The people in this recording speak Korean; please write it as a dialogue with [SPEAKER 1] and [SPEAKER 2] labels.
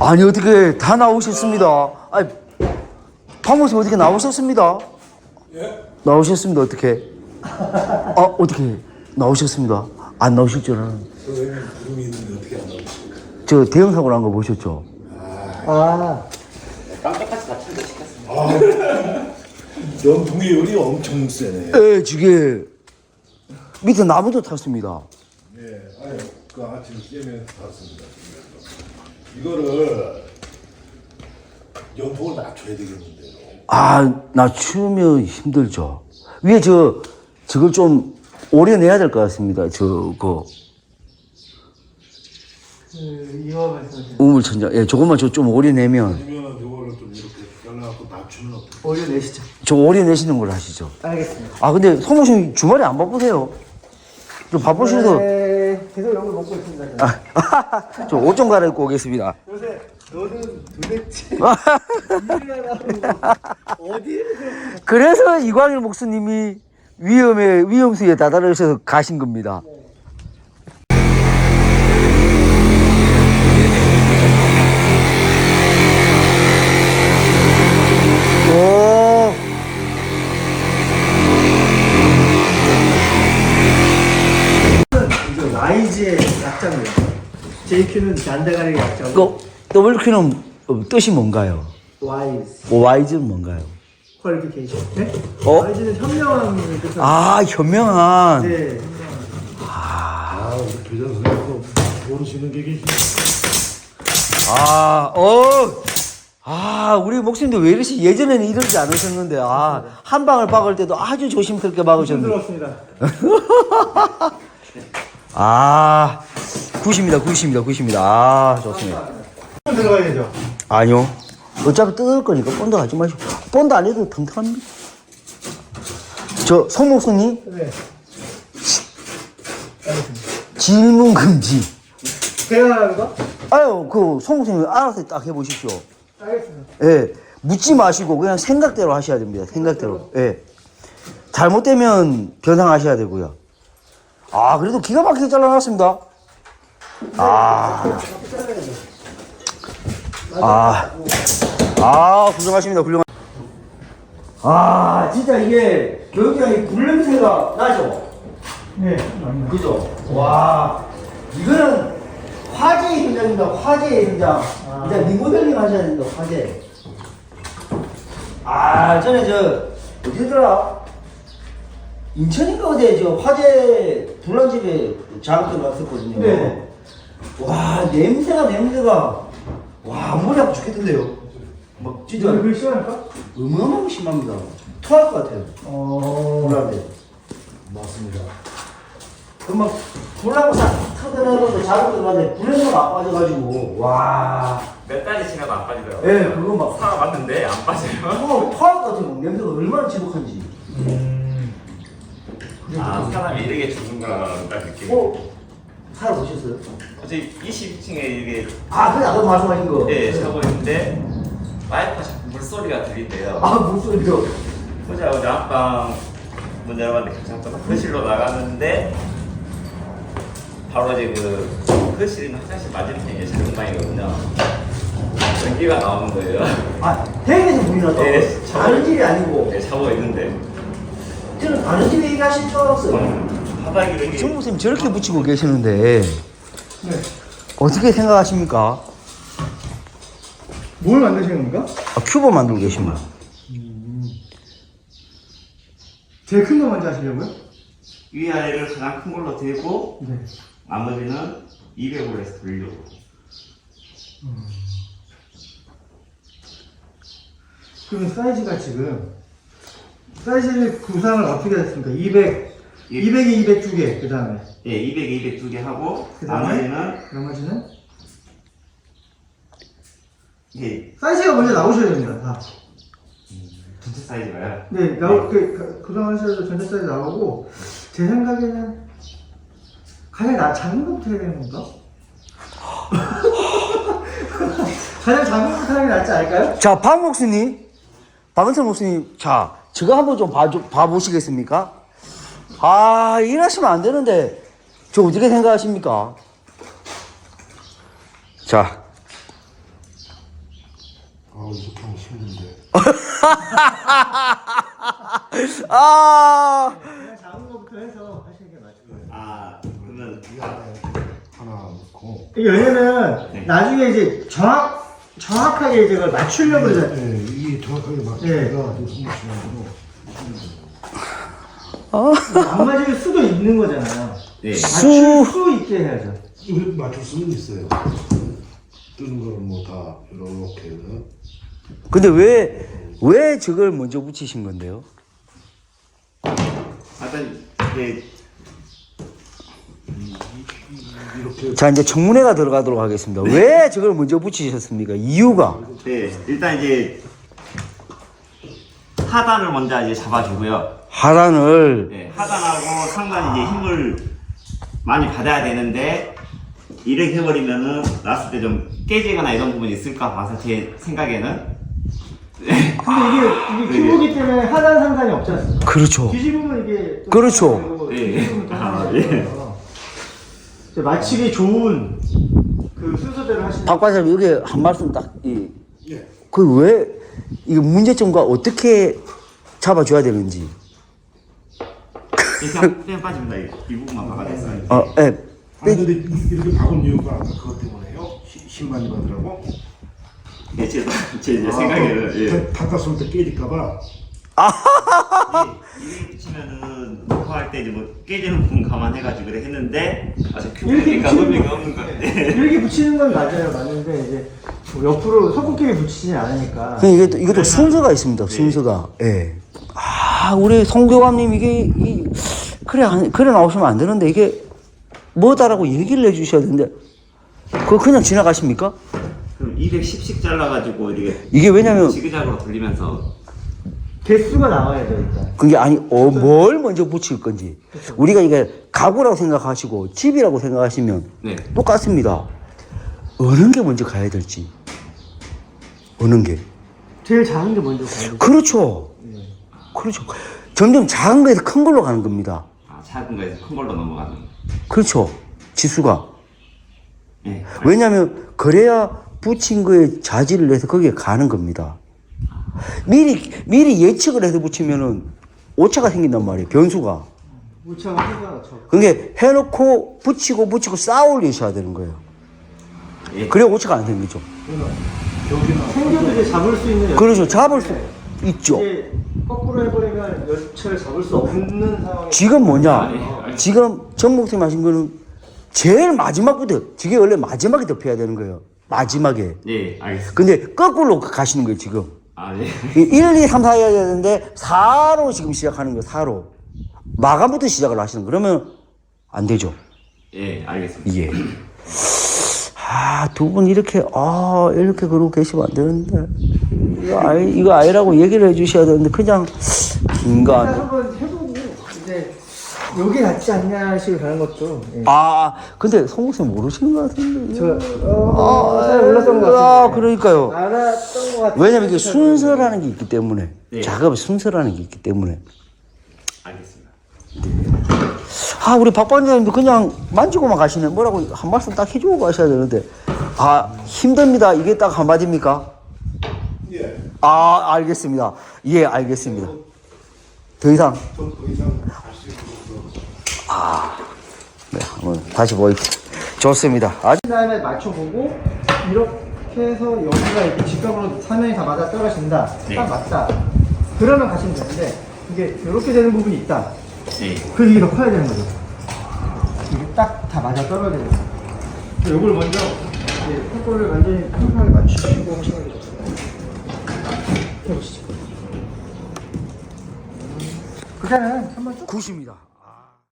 [SPEAKER 1] 아니 어떻게 다 나오셨습니다. 아니 박목수 어떻게 나오셨습니다.
[SPEAKER 2] 예?
[SPEAKER 1] 나오셨습니다. 어떻게? 아 어떻게 나오셨습니다. 안 나오실 줄 알았는데.
[SPEAKER 2] 선생님 구름이 있는데 어떻게 안 나오십니까?
[SPEAKER 1] 저 대형 사고 난 거 보셨죠?
[SPEAKER 3] 깜짝같이 다친데 시켰습니다.
[SPEAKER 2] 연풍의 열이 엄청 세네.
[SPEAKER 1] 예, 저게 밑에 나무도 탔습니다.
[SPEAKER 2] 예, 아니 그 아침 깨면서 봤습니다. 이거를 연풍을 낮춰야 되겠는데요.
[SPEAKER 1] 아, 낮추면 힘들죠. 위에 저걸 좀 오래 내야 될 것 같습니다. 저거
[SPEAKER 4] 이화 말씀하시는
[SPEAKER 1] 우물천장. 예, 조금만 좀 오래 내면.
[SPEAKER 2] 아니면 이거를 좀 이렇게 잘라갖고 낮추면 어떨까요?
[SPEAKER 4] 오류 내시죠.
[SPEAKER 1] 저 오래 내시는 걸 하시죠.
[SPEAKER 4] 알겠습니다.
[SPEAKER 1] 아, 근데 성모님 주말에 안 바쁘세요? 좀 바쁘셔도.
[SPEAKER 4] 네, 계속 욕을 먹고 있습니다. 저는.
[SPEAKER 1] 저 옷 좀 갈아입고 오겠습니다.
[SPEAKER 4] 요새 너는 도대체 일을 하라고 어디에
[SPEAKER 1] 그래서 이광일 목수님이 위험수에 다다르셔서 가신 겁니다. 오.
[SPEAKER 4] 이제 YG의 약자입니다. JQ는 잔대가리 약자고
[SPEAKER 1] 그 WQ는 뜻이 뭔가요?
[SPEAKER 4] YG
[SPEAKER 1] Y는 뭔가요?
[SPEAKER 4] 퀄리피케이션. 네?
[SPEAKER 1] 어?
[SPEAKER 4] YG는 현명한 뜻을.
[SPEAKER 1] 아, 현명한.
[SPEAKER 4] 네.
[SPEAKER 2] 아, 우리 교장 선생님도 모르시는 게 계시네.
[SPEAKER 1] 우리 목사님도 왜 이러시? 예전에는 이러지 않으셨는데, 한 방을 박을 때도 아주 조심스럽게 박으셨는데.
[SPEAKER 4] 힘들었습니다.
[SPEAKER 1] 굿입니다. 좋습니다.
[SPEAKER 4] 들어가야죠.
[SPEAKER 1] 아니요. 어차피 뜯을 거니까 본드 하지 마시고. 본드 안 해도 튼튼합니다. 송 목사님,
[SPEAKER 4] 네.
[SPEAKER 1] 질문 금지.
[SPEAKER 4] 제가 하는 거?
[SPEAKER 1] 송 목사님 알아서 딱 해보십시오.
[SPEAKER 4] 알겠습니다.
[SPEAKER 1] 예. 묻지 마시고 그냥 생각대로 하셔야 됩니다. 생각대로. 예. 잘못되면 변상하셔야 되고요. 그래도 기가 막히게 잘라놨습니다. 훌륭하십니다. 진짜 이게 교육장이 굴냄새가 나죠?
[SPEAKER 4] 네.
[SPEAKER 1] 그죠? 와, 이거는 화제의 현장입니다. 화제의 현장. 이제 리모델링 하셔야 됩니다. 화제. 전에 어디더라? 인천인가 어디에 화재 불난집에 작업들 갔었거든요.
[SPEAKER 4] 네.
[SPEAKER 1] 와, 냄새가. 와, 머리 아파 죽겠던데요. 막 진짜
[SPEAKER 4] 이거 시원할까?
[SPEAKER 1] 어마어마하게 심합니다. 토할 것 같아요. 불난데.
[SPEAKER 2] 맞습니다.
[SPEAKER 1] 그막 불나고 싹 터져나가서 작업들 가는데 불에서 안 빠져가지고 와.
[SPEAKER 3] 몇 달이 지나도 안 빠지더라고요.
[SPEAKER 1] 예, 그거 막
[SPEAKER 3] 사봤는데 안 빠져요.
[SPEAKER 1] 토할 것 같아요. 냄새가 얼마나 지독한지.
[SPEAKER 3] 사람이 이렇게 죽는구나 딱 느낌.
[SPEAKER 1] 살아보셨어요?
[SPEAKER 3] 어제 22층에 이게
[SPEAKER 1] 그래 아까 말씀하신 거.
[SPEAKER 3] 자고 있는데 와이프가 자꾸 물소리가 들린대요.
[SPEAKER 1] 목소리요.
[SPEAKER 3] 어제 안방 문 열어봤는데 괜찮더라. 거실로 나갔는데 바로 이제 거실은 화장실 맞은편에 자동방이거든요. 전기가 나오는 거예요.
[SPEAKER 1] 대에서 물이 났다고?
[SPEAKER 3] 네,
[SPEAKER 1] 다른 집이 아니고.
[SPEAKER 3] 네, 자고 있는데
[SPEAKER 1] 저는 다른 집에 얘기하실 줄 알았어요.
[SPEAKER 3] 바닥이 이렇게
[SPEAKER 1] 정 목사님 저렇게 붙이고 계시는데
[SPEAKER 4] 네.
[SPEAKER 1] 어떻게 생각하십니까?
[SPEAKER 4] 뭘 만드시는 겁니까?
[SPEAKER 1] 큐브 만들고 계십니다.
[SPEAKER 4] 제일 큰 거 먼저 하시려고요?
[SPEAKER 3] 위아래를 가장 큰 걸로 대고
[SPEAKER 4] 네.
[SPEAKER 3] 나머지는 200으로 해서 돌려고.
[SPEAKER 4] 그러면 사이즈가 지금 사이즈 구상을 어떻게 했습니까? 200에 200 두 개, 그 다음에
[SPEAKER 3] 예, 200에 200 두 개 하고
[SPEAKER 4] 그다음에?
[SPEAKER 3] 나머지는 예,
[SPEAKER 4] 사이즈가 먼저 나오셔야 됩니다. 다.
[SPEAKER 3] 전체 사이즈가요.
[SPEAKER 4] 네, 구상하셔도 전체 사이즈 나오고 제 생각에는 가장 작은 것부터 해야 되는 건가? 가장 작은 것부터 하는 게 낫지 않을까요?
[SPEAKER 1] 자, 박은철 목사님, 자, 저거 한번 좀 봐보시겠습니까? 이러시면 안 되는데, 저 어떻게 생각하십니까? 자,
[SPEAKER 2] 이렇게 하면 힘든데.
[SPEAKER 1] 아,
[SPEAKER 4] 그냥 작은 거부터 해서 하시는 게 맞을 거예요.
[SPEAKER 3] 아 그러면
[SPEAKER 2] 이 안에 하나 넣고.
[SPEAKER 4] 이게 왜냐면
[SPEAKER 3] 네.
[SPEAKER 4] 나중에 이제 정확하게 이제 그걸 맞추려고 그러잖아요.
[SPEAKER 2] 네, 이게 정확하게 맞추기가
[SPEAKER 4] 네.
[SPEAKER 2] 좀 손목시간으로.
[SPEAKER 4] 안 맞을 수도 있는 거잖아요.
[SPEAKER 3] 네.
[SPEAKER 4] 맞출 수 있게 해야죠.
[SPEAKER 2] 이거 맞출 수는 있어요. 뜨는 거는 뭐 다 이렇게 해서.
[SPEAKER 1] 근데 왜 저걸 먼저 붙이신 건데요?
[SPEAKER 3] 일단 이제
[SPEAKER 2] 이렇게
[SPEAKER 1] 자, 이제 청문회가 들어가도록 하겠습니다. 왜 저걸 먼저 붙이셨습니까? 이유가?
[SPEAKER 3] 네 일단 이제 하단을 먼저 이제 잡아주고요.
[SPEAKER 1] 하단을
[SPEAKER 3] 네, 하단하고 상단이 이제 힘을 많이 받아야 되는데 이렇게 해버리면은 놨을 때 좀 깨지거나 이런 부분이 있을까 봐서 제 생각에는
[SPEAKER 4] 근데 이게 큐브기 때문에 하단 상단이 없지 않습니까?
[SPEAKER 1] 그렇죠.
[SPEAKER 4] 뒤집으면 이게 또
[SPEAKER 1] 그렇죠.
[SPEAKER 4] 되고,
[SPEAKER 3] 예.
[SPEAKER 4] 뒤집으면 또
[SPEAKER 3] 아,
[SPEAKER 4] 상단이 있어요. 이제 맞추기 좋은 그 순서대로 하시면
[SPEAKER 1] 박 과장님 여기 한 말씀 딱
[SPEAKER 2] 예.
[SPEAKER 1] 그 왜 이게 문제점과 어떻게 잡아줘야 되는지.
[SPEAKER 3] 그냥 빠집니다. 이 부분만 막아냈어요.
[SPEAKER 1] 예.
[SPEAKER 2] 근데 이렇게 박은 이유가 아까 그것 때문에요? 힘 많이 받으라고?
[SPEAKER 3] 네, 제 이제 생각에는 예.
[SPEAKER 2] 닦았을 때 깨질까봐.
[SPEAKER 3] 이렇게 붙이면은 녹화할 때 이제 뭐 깨지는 부분 감안해가지고 그래 했는데 아직
[SPEAKER 4] 이렇게
[SPEAKER 3] 큐브니까
[SPEAKER 4] 붙이는
[SPEAKER 3] 의미가
[SPEAKER 4] 거-
[SPEAKER 3] 없는 건데.
[SPEAKER 4] 이렇게 붙이는 건 맞아요. 맞는데 이제 뭐 옆으로 손꼽기를 붙이진 않으니까.
[SPEAKER 1] 이것도 순서가 있습니다. 순서가. 예. 아, 우리 송교감님 그래 나오시면 안 되는데 이게 뭐다라고 얘기를 해주셔야 되는데 그거 그냥 지나가십니까?
[SPEAKER 3] 그럼 210씩 잘라가지고 이렇게
[SPEAKER 1] 이게 왜냐면
[SPEAKER 3] 지그작으로 돌리면서
[SPEAKER 4] 개수가 나와야죠 일단.
[SPEAKER 1] 그게 아니 뭘 먼저 붙일 건지 우리가 이게 가구라고 생각하시고 집이라고 생각하시면
[SPEAKER 3] 네.
[SPEAKER 1] 똑같습니다. 어느 게 먼저 가야 될지 어느 게
[SPEAKER 4] 제일 작은 게 먼저 가야 돼.
[SPEAKER 1] 그렇죠. 그렇죠. 점점 작은 거에서 큰 걸로 가는 겁니다.
[SPEAKER 3] 아, 작은 거에서 큰 걸로 넘어가는.
[SPEAKER 1] 그렇죠. 지수가.
[SPEAKER 3] 네.
[SPEAKER 1] 왜냐하면 그래야 붙인 거에 자질을 내서 거기에 가는 겁니다. 미리 예측을 해서 붙이면은 오차가 생긴단 말이에요. 변수가.
[SPEAKER 4] 우차가 해가 저.
[SPEAKER 1] 그게 해놓고 붙이고 쌓아올리셔야 되는 거예요.
[SPEAKER 3] 예.
[SPEAKER 1] 그래야 오차가 안 생기죠.
[SPEAKER 4] 생겨도 이제 잡을 수 있는.
[SPEAKER 1] 그렇죠. 잡을 수 있죠.
[SPEAKER 4] 이제 거꾸로 해버리면 여차를 잡을 수 없는 상황이.
[SPEAKER 1] 지금 뭐냐?
[SPEAKER 3] 아니.
[SPEAKER 1] 지금 정 목사님 하신 거는 제일 마지막부터, 저게 원래 마지막에 덮여야 되는 거예요. 마지막에.
[SPEAKER 3] 네, 알겠습니다.
[SPEAKER 1] 근데 거꾸로 가시는 거예요, 지금.
[SPEAKER 3] 아, 네.
[SPEAKER 1] 1, 2, 3, 4 해야 되는데 4로 지금 시작하는 거예요, 4로. 마감부터 시작을 하시는 거예요. 그러면 안 되죠.
[SPEAKER 3] 예, 알겠습니다.
[SPEAKER 1] 예. 두 분 이렇게 그러고 계시면 안 되는데. 이거 아니라고 얘기를 해 주셔야 되는데, 그냥,
[SPEAKER 4] 일단
[SPEAKER 1] 인간.
[SPEAKER 4] 한번 해보고 이제 여기 낫지 않냐 식으로 가는 것도. 예.
[SPEAKER 1] 근데 송목쌤 모르시는 것 같은데.
[SPEAKER 4] 잘 몰랐던 것 같은데.
[SPEAKER 1] 그러니까요.
[SPEAKER 4] 알았던 것 같은데.
[SPEAKER 1] 왜냐면 이게 순서라는 게 있기 때문에.
[SPEAKER 3] 네.
[SPEAKER 1] 작업의 순서라는 게 있기 때문에.
[SPEAKER 3] 알겠습니다.
[SPEAKER 1] 우리 박 반장님도 그냥 만지고만 가시네. 뭐라고 한 말씀 딱 해주고 가셔야 되는데. 힘듭니다. 이게 딱 한마디입니까?
[SPEAKER 2] 예.
[SPEAKER 1] 알겠습니다. 예, 알겠습니다. 더 이상.
[SPEAKER 2] 더 이상 할수 있는 거.
[SPEAKER 1] 네, 한번 다시 보십시오. 좋습니다.
[SPEAKER 4] 다음에 맞춰보고 이렇게 해서 여기가 이렇게 직각으로 사면이 다 맞아 떨어진다.
[SPEAKER 3] 네.
[SPEAKER 4] 딱 맞다. 그러면 가시면 되는데 이게 이렇게 되는 부분이 있다.
[SPEAKER 3] 네.
[SPEAKER 4] 그 이게 더 커야 되는 거죠. 이게 딱 다 맞아 떨어져야 돼요. 이걸 먼저 턱걸을 완전히 평평하게 맞추시고 하시는 게 좋습니다. 해보시죠. 그다음에 한번 쭉
[SPEAKER 1] 굿입니다.